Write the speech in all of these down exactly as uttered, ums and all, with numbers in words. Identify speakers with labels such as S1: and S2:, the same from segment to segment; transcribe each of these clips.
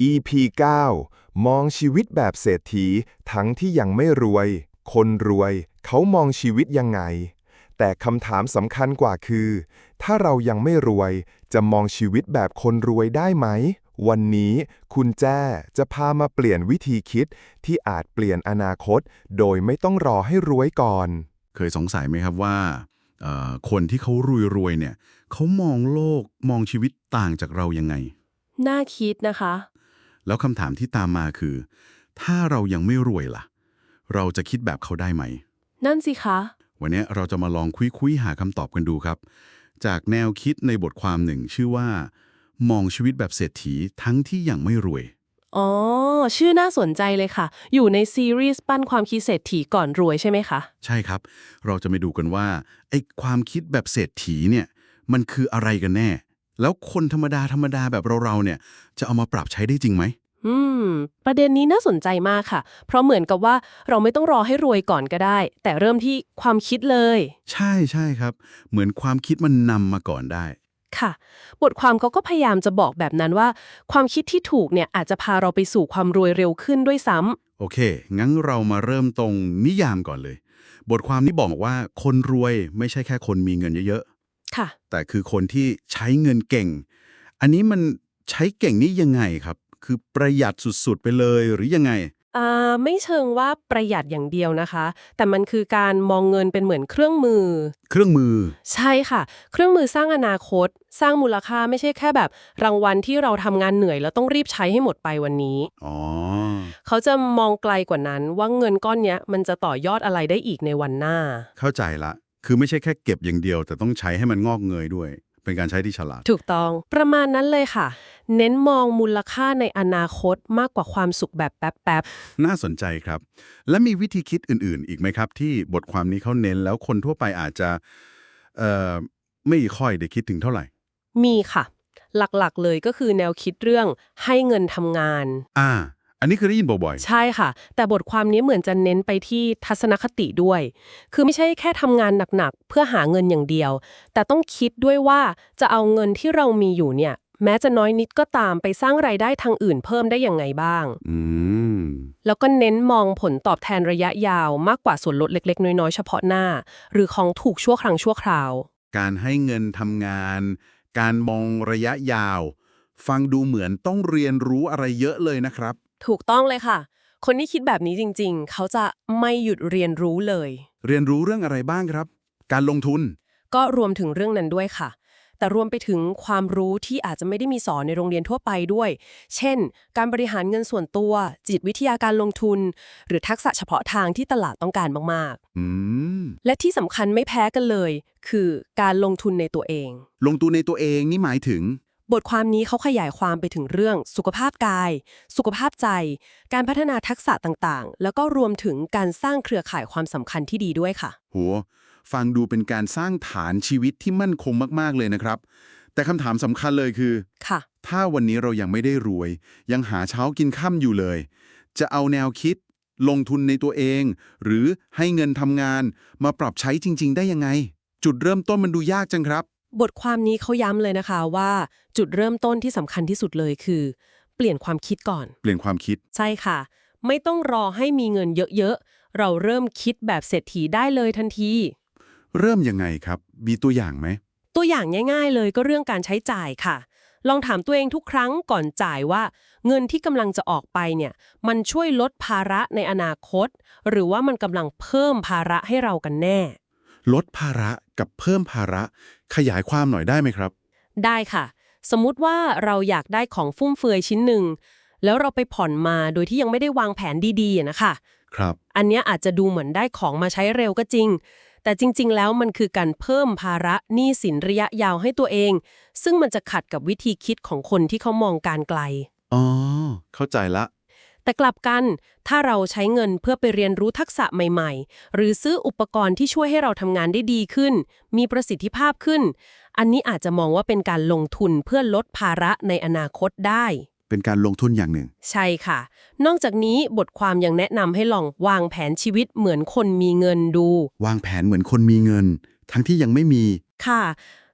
S1: อี พี เก้า มองชีวิตแบบเศรษฐีทั้งที่ยังไม่รวย คนรวยเขามองชีวิตยังไง แต่คำถามสำคัญกว่าคือ ถ้าเรายังไม่รวยจะมองชีวิตแบบคนรวยได้ไหม วันนี้คุณแจ้จะพามาเปลี่ยนวิธีคิดที่อาจเปลี่ยนอนาคต โดยไม่ต้องรอให้รวยก่อน
S2: เคยสงสัยไหมครับว่าเอ่อคนที่เขารวยๆเนี่ยเขามองโลกมองชีวิตต่างจากเรายังไง
S3: น่าคิดนะคะ
S2: แล้วคำถามที่ตามมาคือ ถ้าเรายังไม่รวยล่ะ เราจะคิดแบบเขาได้ไหม
S3: นั่นสิคะ
S2: วันนี้เราจะมาลองคุยๆหาคำตอบกันดูครับ จากแนวคิดในบทความหนึ่งชื่อว่า มองชีวิตแบบเศรษฐีทั้งที่ยังไม่รวย
S3: อ๋อ ชื่อน่าสนใจเลยค่ะ อยู่ในซีรีส์ปั้นความคิดเศรษฐีก่อนรวยใช่ไหมคะ
S2: ใช่ครับ เราจะมาดูกันว่าไอ้ความคิดแบบเศรษฐีเนี่ยมันคืออะไรกันแน่ แล้วคนธรรมดาธรรมดาแบบเราๆเนี่ยจะเอามาปรับใช้ได้จริงไหม
S3: อืม ประเด็นนี้น่าสนใจมากค่ะ เพราะเหมือนกับว่าเราไม่ต้องรอให้รวยก่อนก็ได้ แต่เริ่มที่ความคิดเลย
S2: ใช่ใช่ครับ เหมือนความคิดมันนำมาก่อนได้
S3: ค่ะ บทความเขาก็พยายามจะบอกแบบนั้นว่า ความคิดที่ถูกเนี่ยอาจจะพาเราไปสู่ความรวยเร็วขึ้นด้วยซ้ำ
S2: โอเค งั้นเรามาเริ่มตรงนิยามก่อนเลย บทความนี้บอกว่าคนรวยไม่ใช่แค่คนมีเงินเยอะ
S3: ค่ะ
S2: ๆ แต่คือคนที่ใช้เงินเก่ง อันนี้มันใช้เก่งนี่ยังไงครับ คือประหยัดสุดๆไปเลยหรือยังไง
S3: อ่าไม่เชิงว่าประหยัดอย่างเดียวนะคะ แต่มันคือการมองเงินเป็นเหมือนเครื่องมือ
S2: เครื่องมือ
S3: ใช่ค่ะ เครื่องมือสร้างอนาคต สร้างมูลค่าไม่ใช่แค่แบบรางวัลที่เราทำงานเหนื่อยแล้วต้องรีบใช้ให้หมดไปวันนี้
S2: อ๋อ
S3: เขาจะมองไกลกว่านั้นว่าเงินก้อนเนี้ยมันจะต่อยอดอะไรได้อีกในวันหน้า
S2: เข้าใจละ คือไม่ใช่แค่เก็บอย่างเดียว แต่ต้องใช้ให้มันงอกเงยด้วย เป็นการใช้ที่ฉลาด
S3: ถูกต้องประมาณนั้นเลยค่ะ เน้นมองมูลค่าในอนาคตมากกว่าความสุขแบบแป๊บ
S2: น่าสนใจครับ และมีวิธีคิดอื่นๆ อีกไหมครับ ที่บทความนี้เขาเน้นแล้วคนทั่วไปอาจจะเอ่อไม่ค่อยได้คิดถึงเท่าไหร่
S3: ๆมีค่ะ หลักๆเลยก็คือแนวคิดเรื่องให้เงินทำงาน
S2: อ่า อันนี้คือได้ยินบ่อย
S3: ใช่ค่ะ แต่บทความนี้เหมือนจะเน้นไปที่ทัศนคติด้วย คือไม่ใช่แค่ทำงานหนักๆเพื่อหาเงินอย่างเดียว แต่ต้องคิดด้วยว่าจะเอาเงินที่เรามีอยู่เนี่ยแม้จะน้อยนิดก็ตามไปสร้างรายได้ทางอื่นเพิ่มได้ยังไงบ้าง
S2: ๆ อืม
S3: แล้วก็เน้นมองผลตอบแทนระยะยาวมากกว่าส่วนลดเล็กๆน้อยๆเฉพาะหน้า หรือของถูกชั่วครั้งชั่วคราว
S2: การให้เงินทำงาน การมองระยะยาว ฟังดูเหมือนต้องเรียนรู้อะไรเยอะเลยนะครับ
S3: ถูกต้องเลยค่ะ คนที่คิดแบบนี้จริงๆ เขาจะไม่หยุดเรียนรู้เลย
S2: เรียนรู้เรื่องอะไรบ้างครับ การลงทุน
S3: ก็รวมถึงเรื่องนั้นด้วยค่ะ แต่รวมไปถึงความรู้ที่อาจจะไม่ได้มีสอนในโรงเรียนทั่วไปด้วย เช่น การบริหารเงินส่วนตัว จิตวิทยาการลงทุน หรือทักษะเฉพาะทางที่ตลาดต้องการมาก
S2: อืม
S3: ๆ และที่สำคัญไม่แพ้กันเลย คือการลงทุนในตัวเอง
S2: ลงทุนในตัวเองนี่หมายถึง
S3: บทความนี้เขาขยายความไปถึงเรื่องสุขภาพกาย สุขภาพใจ การพัฒนาทักษะต่างๆ แล้วก็รวมถึงการสร้างเครือข่ายความสำคัญที่ดีด้วยค่ะ
S2: โห ฟังดูเป็นการสร้างฐานชีวิตที่มั่นคงมากๆเลยนะครับ แต่คำถามสำคัญเลยคือ
S3: ค่ะ
S2: ถ้าวันนี้เรายังไม่ได้รวย ยังหาเช้ากินค่ำอยู่เลย จะเอาแนวคิด ลงทุนในตัวเอง หรือให้เงินทำงานมาปรับใช้จริง ๆ ได้ยังไง จุดเริ่มต้นมันดูยากจังครับ
S3: บทความนี้เขาย้ำเลยนะคะว่าจุดเริ่มต้นที่สำคัญที่สุดเลยคือ เปลี่ยนความคิดก่อน
S2: เปลี่ยนความคิด
S3: ใช่ค่ะ ไม่ต้องรอให้มีเงินเยอะๆ เราเริ่มคิดแบบเศรษฐีได้เลยทันที
S2: เริ่มยังไงครับ มีตัวอย่างไหม
S3: ตัวอย่างง่ายๆเลยก็เรื่องการใช้จ่ายค่ะ ลองถามตัวเองทุกครั้งก่อนจ่ายว่าเงินที่กำลังจะออกไปเนี่ยมันช่วยลดภาระในอนาคต หรือว่ามันกำลังเพิ่มภาระให้เรากันแน่
S2: ลดภาระกับเพิ่มภาระ ขยายความหน่อยได้ไหมครับ
S3: ได้ค่ะ สมมุติว่าเราอยากได้ของฟุ่มเฟือยชิ้นหนึ่งแล้วเราไปผ่อนมาโดยที่ยังไม่ได้วางแผนดีๆอะนะคะ
S2: ครับ
S3: อันเนี้ยอาจจะดูเหมือนได้ของมาใช้เร็วก็จริง แต่จริงๆ แล้วมันคือการเพิ่มภาระหนี้สินระยะยาวให้ตัวเอง ซึ่งมันจะขัดกับวิธีคิดของคนที่เขามองการไกล
S2: อ๋อ เข้าใจละ
S3: แต่กลับกันถ้าเราใช้เงินเพื่อไปเรียนรู้ทักษะใหม่ๆ หรือซื้ออุปกรณ์ที่ช่วยให้เราทำงานได้ดีขึ้น มีประสิทธิภาพขึ้น อันนี้อาจจะมองว่าเป็นการลงทุนเพื่อลดภาระในอนาคตได้
S2: เป็นการลงทุนอย่างหนึ่ง
S3: ใช่ค่ะ นอกจากนี้บทความยังแนะนำให้ลองวางแผนชีวิตเหมือนคนมีเงินดู
S2: วางแผนเหมือนคนมีเงิน ทั้งที่ยังไม่มี
S3: ค่ะ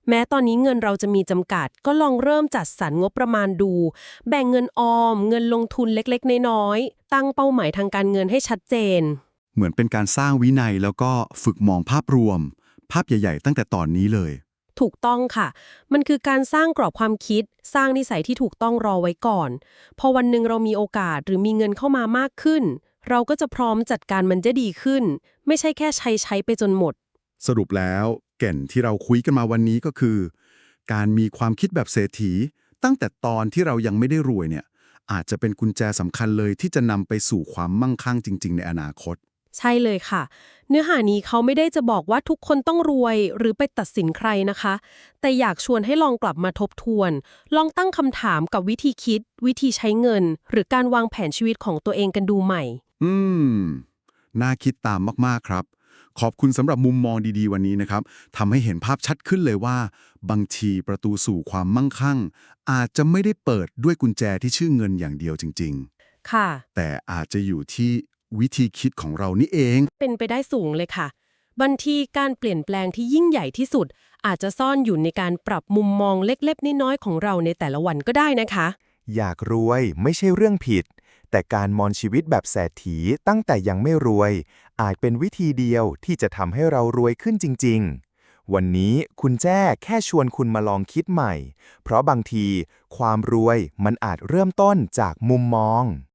S3: แม้ตอนนี้เงินเราจะมีจำกัด ก็ลองเริ่มจัดสรรงบประมาณดู แบ่งเงินออม เงินลงทุนเล็กๆน้อยๆตั้งเป้าหมายทางการเงินให้ชัดเจน
S2: เหมือนเป็นการสร้างวินัยแล้วก็ฝึกมองภาพรวม ภาพใหญ่ๆตั้งแต่ตอนนี้เลย
S3: ถูกต้องค่ะ มันคือการสร้างกรอบความคิด สร้างนิสัยที่ถูกต้องรอไว้ก่อน พอวันหนึ่งเรามีโอกาสหรือมีเงินเข้ามามากขึ้น เราก็จะพร้อมจัดการมันจะดีขึ้น ไม่ใช่แค่ใช้ใช้ไปจนหมด
S2: สรุปแล้วแก่นที่เราคุยกันมาวันนี้ก็คือ การมีความคิดแบบเศรษฐี ตั้งแต่ตอนที่เรายังไม่ได้รวยเนี่ยอาจจะเป็นกุญแจสำคัญเลยที่จะนำไปสู่ความมั่งคั่งจริงๆในอนาคต
S3: ใช่เลยค่ะ เนื้อหานี้เขาไม่ได้จะบอกว่าทุกคนต้องรวยหรือไปตัดสินใครนะคะ แต่อยากชวนให้ลองกลับมาทบทวน ลองตั้งคำถามกับวิธีคิด วิธีใช้เงิน หรือการวางแผนชีวิตของตัวเองกันดูใหม่
S2: อืม น่าคิดตามมากๆครับ ขอบคุณสำหรับมุมมองดีๆวันนี้นะครับทำให้เห็นภาพชัดขึ้นเลยว่า บางทีประตูสู่ความมั่งคั่ง อาจจะไม่ได้เปิดด้วยกุญแจที่ชื่อเงินอย่างเดียวจริง
S3: ค่ะ
S2: ๆ แต่อาจจะอยู่ที่วิธีคิดของเรานี่เอง
S3: เป็นไปได้สูงเลยค่ะบางทีการเปลี่ยนแปลงที่ยิ่งใหญ่ที่สุด อาจจะซ่อนอยู่ในการปรับมุมมองเล็กๆน้อยๆของเราในแต่ละวันก็ได้นะคะ
S1: อยากรวยไม่ใช่เรื่องผิด แต่การมองชีวิตแบบเศรษฐีตั้งแต่ยังไม่รวย อาจเป็นวิธีเดียวที่จะทำให้เรารวยขึ้นจริงๆ วันนี้คุณแจ้แค่ชวนคุณมาลองคิดใหม่ เพราะบางทีความรวยมันอาจเริ่มต้นจากมุมมอง